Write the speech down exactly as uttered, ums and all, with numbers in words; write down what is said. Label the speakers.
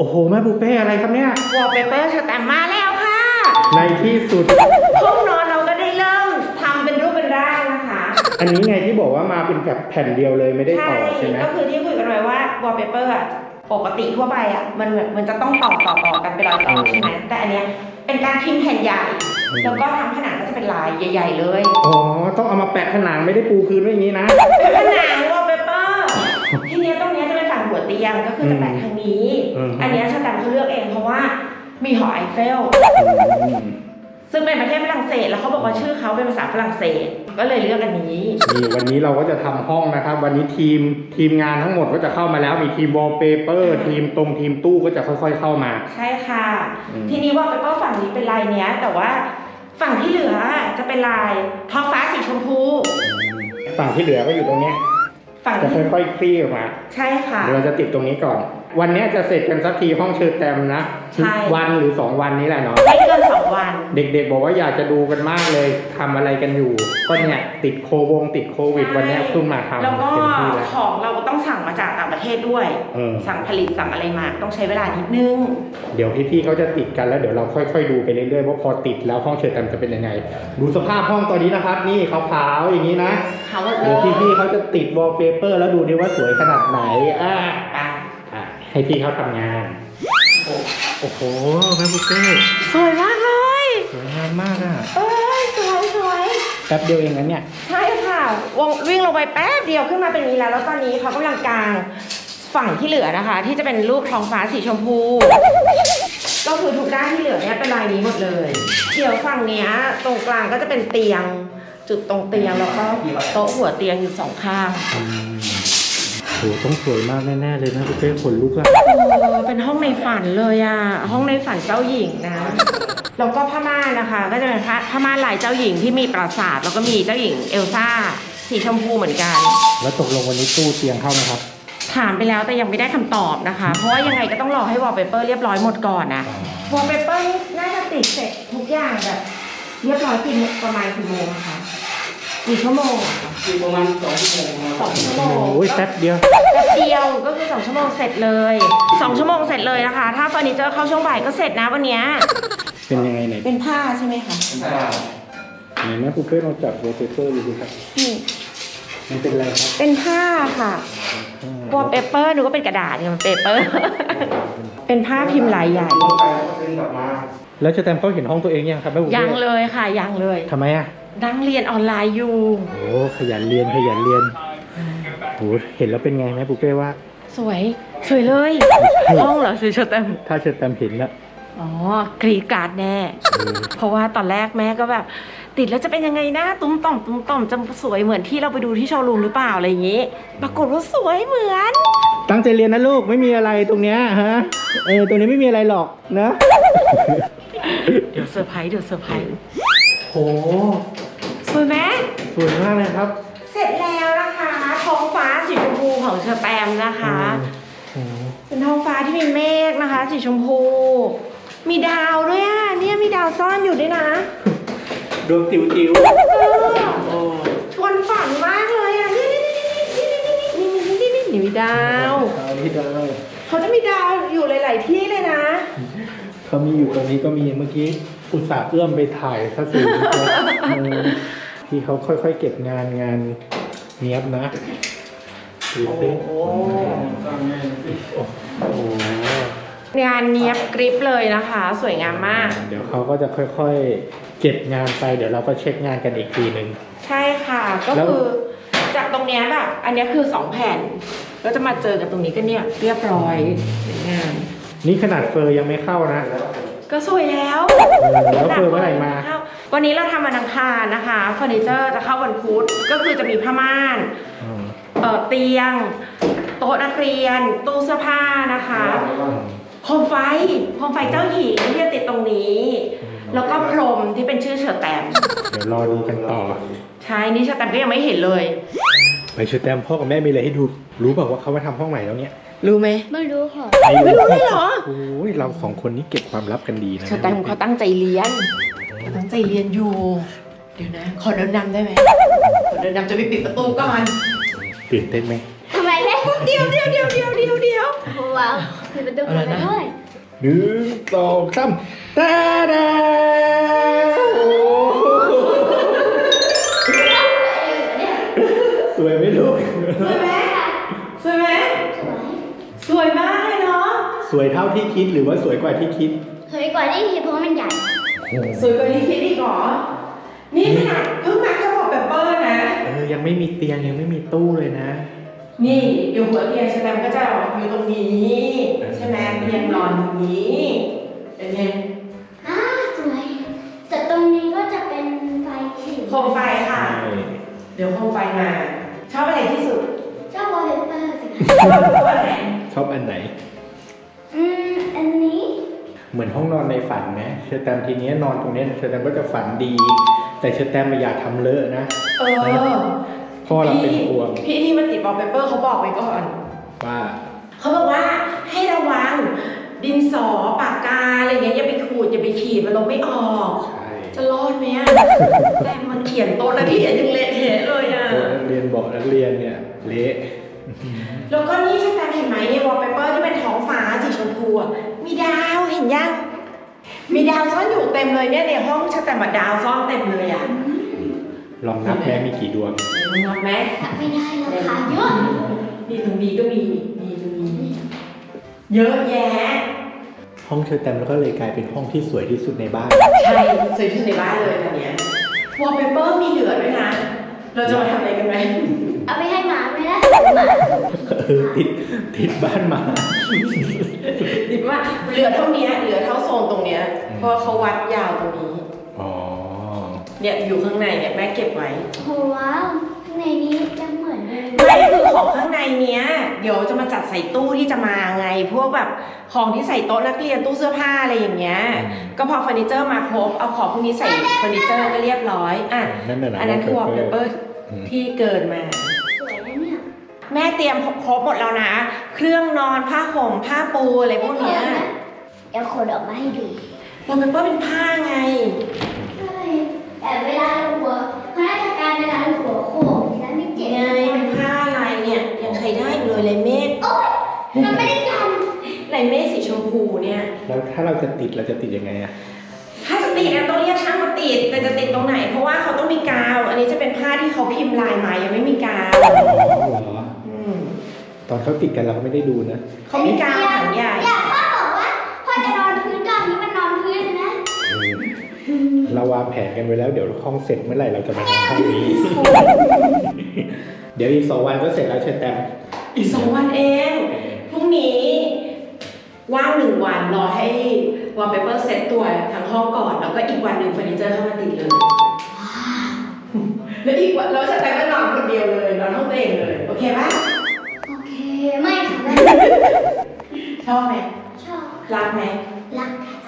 Speaker 1: โอ้โหแม่บุฟเป้อะไรครับเนี่ยว
Speaker 2: อลเปเปอร์สแตมป์มาแล้วค่ะ
Speaker 1: ในที่สุด
Speaker 2: ห้องนอนเราก็ได้เริ่มทำเป็นรูปเป็นร่างนะคะ
Speaker 1: อันนี้ไงที่บอกว่ามาเป็นแบบแผ่นเดียวเลยไม่ได้ต่อใช่ไหม
Speaker 2: ก็คือที่คุยกันไว้ว่าวอลเปเปอร์ปกติทั่วไปอ่ะมันมันจะต้องต่อต่อต่อกันเป็นรอยต่อใช่ไหมแต่อันเนี้ยเป็นการพิมพ์แผ่นใหญ่แล้วก็ทำผนังก็จะเป็นลายใหญ่ๆเลย
Speaker 1: อ๋อต้องเอามาแปะผนังไม่ได้ปูพื้นไว้อย่างนี้นะ
Speaker 2: เป็นผนังวอลเปเปอร์ทีเนี้ยตรงเนี้ยจะเป็นฝั่งหัวเตียงก็คือจะแปะทางนี้ อันเนี้ยชาแตมเขาเลือกเองเพราะว่ามีหอไอเฟลซึ่งเป็นประเทศฝรั่งเศสแล้วเขาบอกว่าชื่อเขาเป็นภาษาฝรั่งเศสก็เลยเลือกอันนี้
Speaker 1: นี่วันนี้เราก็จะทำห้องนะครับวันนี้ทีมทีมงานทั้งหมดก็จะเข้ามาแล้วมีทีมวอลเปเปอร์ทีมตรงทีมตู้ก็จะค่อยๆเข้ามา
Speaker 2: ใช่ค่ะทีนี้วอลเปเปอร์ฝั่งนี้เป็นลายเนี้ยแต่ว่าฝั่งที่เหลือจะเป็นลายท้องฟ้าสีชมพู
Speaker 1: ฝั่งที่เหลือก็อยู่ตรงนี้ฝั่งจะค่อยๆคลี่ออกมา
Speaker 2: ใช่ค่ะ
Speaker 1: เดี๋ยวเราจะติดตรงนี้ก่อนวันนี้จะเสร็จกันสักทีห้องเชิญแต้มนะวันหรือสองวันนี้แหละเนาะ
Speaker 2: ไม่เกินสองวัน
Speaker 1: เด็กๆบอกว่าอยากจะดูกันมากเลยทำอะไรกันอยู่ก็เนี่ยติดโควงติดโควิดวันนี้เพิ่งมาทำ
Speaker 2: แล้วก็ของเราก็ต้องสั่งมาจากต่างประเทศด้วยสั่งผลิตสั่งอะไรมาต้องใช้เวลานิดนึง
Speaker 1: เดี๋ยวพี่ๆเขาจะติดกันแล้วเดี๋ยวเราค่อยๆดูไปเรื่อยๆว่าพอติดแล้วห้องเชิญแต้มจะเป็นยังไงดูสภาพห้องตอนนี้นะครับนี่ขาวๆอย่างนี้นะเดี๋ยวพี่ๆเขาจะติดวอลเปเปอร์แล้วดูดิว่าสวยขนาดไหนอ่ะให้พี่เขาทำงานโอ้โหแม่บุฟเฟ่
Speaker 2: สวยมากเลย
Speaker 1: สวยงามมากอ่ะ
Speaker 2: เอ้ยสวยสวย
Speaker 1: แป๊บเดียวเองนะเนี่ย
Speaker 2: ใช่ค่ะวงวิ่งลงไปแป๊บเดียวขึ้นมาเป็นนี้แล้วแล้วตอนนี้เขากำลังกางฝั่งที่เหลือนะคะที่จะเป็นรูปท้องฟ้าสีชมพูก็คือทุกด้านที่เหลือเนี่ยเป็นลายนี้หมดเลยเดี๋ยวฝั่งเนี้ยตรงกลางก็จะเป็นเตียงจุดตรงเตียงแล้วก็โต๊ะหัวเตียงอยู่สองข้าง
Speaker 1: โหต้องสวยมากแน่ๆเลยนะคุณเป้ขนลุกอะ
Speaker 2: เออเป็นห้องในฝันเลยอะห้องในฝันเจ้าหญิงนะแล้วก็ผ้าม่านนะคะก็จะเป็นผ้าผ้าม่านลายเจ้าหญิงที่มีปราสาทแล้วก็มีเจ้าหญิงเอลซ่าสีชมพูเหมือนกัน
Speaker 1: แล้วตกลงวันนี้ตู้เตียงเข้านะครับ
Speaker 2: ถามไปแล้วแต่ยังไม่ได้คำตอบนะคะเพราะว่ายังไงก็ต้องรอให้วอลเปเปอร์เรียบร้อยหมดก่อนนะวอลเปเปอร์น่าจะติดเสร็จทุกอย่างแบบเรียบร้อยกี่ประมาณกี่โมงคะกี่ชั่วโมง
Speaker 1: กี่ประมาณสองชั่วโมง
Speaker 2: สองชั่วโมง
Speaker 1: โอ้ยแป๊บเดียว
Speaker 2: แป๊บเดียวก็คือสองชั่วโมงเสร็จเลยสองชั่วโมงเสร็จเลยนะคะถ้าเฟอร์นิเจอร์เข้าช่วงบ่ายก็เสร็จนะวันนี้
Speaker 1: เป็นยังไงไหน
Speaker 2: เป็นผ้าใช่ไหมคะ
Speaker 1: เป็นผ้าไหนแม่ปุ๊กเป้ลองจับวอลเปเปอร์ดูสิครับนี่มันเป็นอะไรครับ
Speaker 2: เป็นผ้าค่ะวอลเปเปอร์ดูก็เป็นกระดาษเนี่ยมันเปเปอร์เป็นผ้าพิมพ์ลายใหญ่
Speaker 1: แล้วจะแตมเขาเห็นห้องตัวเองยังครับแม่ปุ๊กเป้
Speaker 2: ยังเลยค่ะยังเลย
Speaker 1: ทำไมอ่ะ
Speaker 2: นั่งเรียนออนไลน์อยู่
Speaker 1: โอ้ขยันเรียนขยันเรียนโอ้เห็นแล้วเป็นไงแม่ปุ๊กเป้ว่า
Speaker 2: สวยสวยเลยห้องเหรอสวยเชอแตม
Speaker 1: ถ้าเชอแตมเห็นแล้ว
Speaker 2: อ๋อกรีดการ์ดแน่เพราะว่าตอนแรกแม่ก็แบบติดแล้วจะเป็นยังไงนะตุ้มต่อมตุ้มต่อมจะสวยเหมือนที่เราไปดูที่โชว์รูมหรือเปล่าอะไรอย่างนี้ปรากฏว่าสวยเหมือน
Speaker 1: ตั้งใจเรียนนะลูกไม่มีอะไรตรงเนี้ยฮะเออตรงนี้ไม่มีอะไรหรอกนะ
Speaker 2: เดี๋ยวเซอร์ไพรส์เดี๋ยวเซอร์ไพรส์
Speaker 1: โอ้
Speaker 2: สวยไหม
Speaker 1: สวยมากเลยครับ
Speaker 2: เสร็จแล้วนะคะท้องฟ้าสีชมพูของเชอแตมนะคะเป็นท้องฟ้าที่มีเมฆนะคะสีชมพูมีดาวด้วยอ่ะเนี่ยมีดาวซ่อนอยู่ด้วยนะ
Speaker 1: ดวงติ๋วติ๋ว
Speaker 2: ชวนฝันมากเลยอ่ะนี่นี่นี่นี่นี่นี่มีดาวเขาจะมีดาวอยู่หลายๆที่เลยนะ
Speaker 1: เขามีอยู่ตรงนี้ก็มีเมื่อกี้อุตส่าห์เอื้อมไปถ่ายซะสูงที่เขาค่อยๆเก็บงานงานเนี้ยบนะดูสิโอ้โห
Speaker 2: งานเนี้ยบกริปเลยนะคะสวยงามมาก
Speaker 1: เดี๋ยวเขาก็จะค่อยๆเก็บงานไปเดี๋ยวเราก็เช็คงานกันอีกทีหนึ่ง
Speaker 2: ใช่ค่ะก็คือจากตรงเนี้ยแบบอันนี้คือสองแผ่นก็จะมาเจอกับตรงนี้ก็เนี่ยเรียบร้อยงาน
Speaker 1: นี่ขนาดเฟอร์ยังไม่เข้านะ
Speaker 2: ก็สวยแล้ว
Speaker 1: แล้วเฟอร์เมื่อไหร่มา
Speaker 2: วันนี้เราทำวันอังคารนะคะเฟอร์นิเจอร์จะเข้าวันพุธก็คือจะมีผ้าม่านเอ่อเตียงโต๊ะนักเรียนตู้เสื้อผ้านะคะโคมไฟโคมไฟเจ้าหญิงที่จะติดตรงนี้แล้วก็พรมที่เป็นชื่อเชอแตม
Speaker 1: เดี๋ยวรอดูกันต่อ
Speaker 2: ใช่นี่เชอแตมก็ยังไม่เห็นเลย
Speaker 1: ไปเชอแตมพ่อกับแม่มีอะไรให้ดูรู้เปล่าว่าเขามาทำห้องใหม่แล้วเนี่ย
Speaker 2: รู้ไหม
Speaker 3: ไม่รู้ค่ะ
Speaker 2: ไม่รู้เลยเหรอ
Speaker 1: โอ้ยเราสองคนนี้เก็บความลับกันดีนะ
Speaker 2: เชอแตมเขาตั้งใจเรียนเขาตั้งใจเรียนอยู่เดี๋ยวนะขอเดินนำได้ไหมขอเดินนำจะไปปิดประตูก่อน
Speaker 1: ตื่นเต้นไหม
Speaker 3: ทำไมแม่
Speaker 2: เดี๋ยวเดี๋ยวเดี๋ยวเดี๋ยวเดี๋ยวเดี๋ยว
Speaker 3: ว้าวมีประตูเปิดด้วย
Speaker 1: หนึ่งสองสามตาดาโอ้สวยไหมลูก
Speaker 2: สวยไหมสวยไหมสวยมากเลยเนาะ
Speaker 1: สวยเท่าที่คิดหรือว่าสวยกว่าที่คิด
Speaker 3: สวยกว่าที่คิดเพราะมันใหญ่
Speaker 2: สวยกว่าที่คิดอีกเหรอ นี่ขนาดเพิ่งมาแค่บอกแบบเปอร์นะ
Speaker 1: เออยังไม่มีเตียงยังไม่มีตู้เลยนะ
Speaker 2: นี่อยู่หัวเตียงใช่ไหมมันก็จะอยู่ตรงนี้ใช่ไหมเตียงนอนอย่างนี้เป็นไง
Speaker 3: อ่าสวยแต่ตรงนี้ก็จะเป็นไฟสี
Speaker 2: โคมไฟค่ะ เดี๋ยวโคมไฟมา ชอบอะไรที่สุด
Speaker 3: ชอบวอลเลย์เปอร์สิคะ
Speaker 2: ชอบอันไหน
Speaker 1: ชอบอันไหน
Speaker 3: อืมอันนี้
Speaker 1: เหมือนห้องนอนในฝันไหมเชอร์แตมทีนี้นอนตรงนี้เชอร์แตมก็จะฝันดี แต่เชอร์แตมไม่อยากทำเลอะนะ
Speaker 2: เออ
Speaker 1: พ่อเราเป็นห่วง
Speaker 2: พี่ที่มาติดวอลเปเปอร์เขาบอกไว้ก่อน
Speaker 1: ว่า
Speaker 2: เขาบอกว่าให้ระวังดินสอปากกาอะไรเงี้ยอย่าไปขูดอย่าไปขีดมันลบไม่ออก
Speaker 1: ใช่
Speaker 2: จะรอดไหมอ่ะ แต่มันเขียนโต๊ะนักเรียนยังเละเทะเลยอ่ะ
Speaker 1: ตัวนักเรียนบอกนักเรียนเนี่ยเละ
Speaker 2: แล้วก็นี่ใช่ไหมเห็นไหมเนี่ยวอลเปเปอร์ที่เป็นท้องฟ้าสีชมพูอะมีดาวเห็นยัง มีดาวซ่อนอยู่เต็มเลยเนี่ยในห้องชัแต่มาดาวซ่อนเต็มเลยอ่ะ
Speaker 1: ลองนับแม่มีกี่ดวง
Speaker 2: มึงนับไหม
Speaker 3: ทำไม่ได้แล้วค่ะเยอะ
Speaker 2: นี่ตรงนี้ก็มีนี่ตรงนี้เยอะแยะ
Speaker 1: ห้องเชอร์แตมแล้วก็เลยกลายเป็นห้องที่สวยที่สุดในบ้าน
Speaker 2: ใช่สวยที่สุดในบ้านเลยตอนเนี้ยวอลเปเปอร์มีเหลือด้วยนะ เราจะมาทำอะไรกันไหม
Speaker 3: เอาไปให้หมาไหมล่ะหมา
Speaker 1: เออติดติดบ้านมา
Speaker 2: ดิว่าเหลือเท่านี้เหลือเท่าโซนตรงเนี้ย
Speaker 1: อืม
Speaker 2: เพราะเขาวัดยาวตรงนี้
Speaker 1: อ๋อ
Speaker 2: เนี่ยอยู่ข้างในเนี่ยแม่เก็บไว้
Speaker 3: โหว้าวข้างในนี้จะเหมือนเลย
Speaker 2: ไม่คือของข้างในเนี้ยเดี๋ยวจะมาจัดใส่ตู้ที่จะมาไง พวกแบบของที่ใส่โต๊ะนักเรียนตู้เสื้อผ้าอะไรอย่างเงี้ย ก็พอเฟอร์นิเจอร์มาครบเอาของพวกนี้ใส่เฟอร์นิเจอร์ก็เรียบร้อยอ่ะ
Speaker 1: นั่นน่ะนะ
Speaker 2: อันนั้นคือวอลเปเปอร์
Speaker 1: อืม
Speaker 2: ที่เกินมา
Speaker 3: สวยนะเนี่ย
Speaker 2: แม่เตรียมครบหมดแล้วนะ เครื่องนอนผ้าห่มผ้าปูอะไรพวกเนี้ย
Speaker 3: เดี๋ยวขนออกมาให้ดู
Speaker 2: วอลเปเปอร์เป็นผ้าไง
Speaker 3: ใช่แต่เวลาเราหัวข้าราชการเวลาเราหัวโขกแล้วไม่เจ็บ
Speaker 2: ไงเป็นผ้าลายเนี่ยยังใช้ได้อยู่เลยลายเมฆ
Speaker 3: โอ๊ยมันไม่ได้กัน
Speaker 2: ลายเมฆสีชมพูเนี่ย
Speaker 1: แล้วถ้าเราจะติดเราจะติดยังไงอะ
Speaker 2: ถ้าจะติดเนี่ยต้องเรียกช่างมาติด แต่จะติดตรงไหน เพราะว่าเขาต้องมีกาว อันนี้จะเป็นผ้าที่เขาพิมพ์ลายมายังไม่มีกาว
Speaker 1: อ๋อเหรอ
Speaker 2: อืม
Speaker 1: ตอนเขาติดกันเราก็ไม่ได้ดูนะ
Speaker 2: เขามีกาวถังใหญ่
Speaker 3: อยากพ่อบอกว่าพ่อจะนอนพื้นก่อนที่มันนอนพื้นเลยนะ
Speaker 1: เออเราวางแผนกันไว้แล้วเดี๋ยวห้องเสร็จเมื่อไหร่เราจะมาทำห้องนี้ เดี๋ยวอีกสองวันก็เสร็จแล้วเชอร์แตม
Speaker 2: อีกสองวันเอง พรุ่งนี้ว่างหนึ่งวันรอให้วอลเปเปอร์เซ็ตตัวทั้งห้องก่อน แล้วก็อีกวันหนึ่งเฟอร์นิเจอร์เข้ามาติดเลย แล้วอีกวันเราจะแต่ก็นอนคนเดียวเลยนอนห้องตัวเองเลย โอเคปะ
Speaker 3: โอเค ไม่ค่ะ
Speaker 2: ชอบไหม
Speaker 3: ชอบ
Speaker 2: รักไหม
Speaker 3: รักค่ะ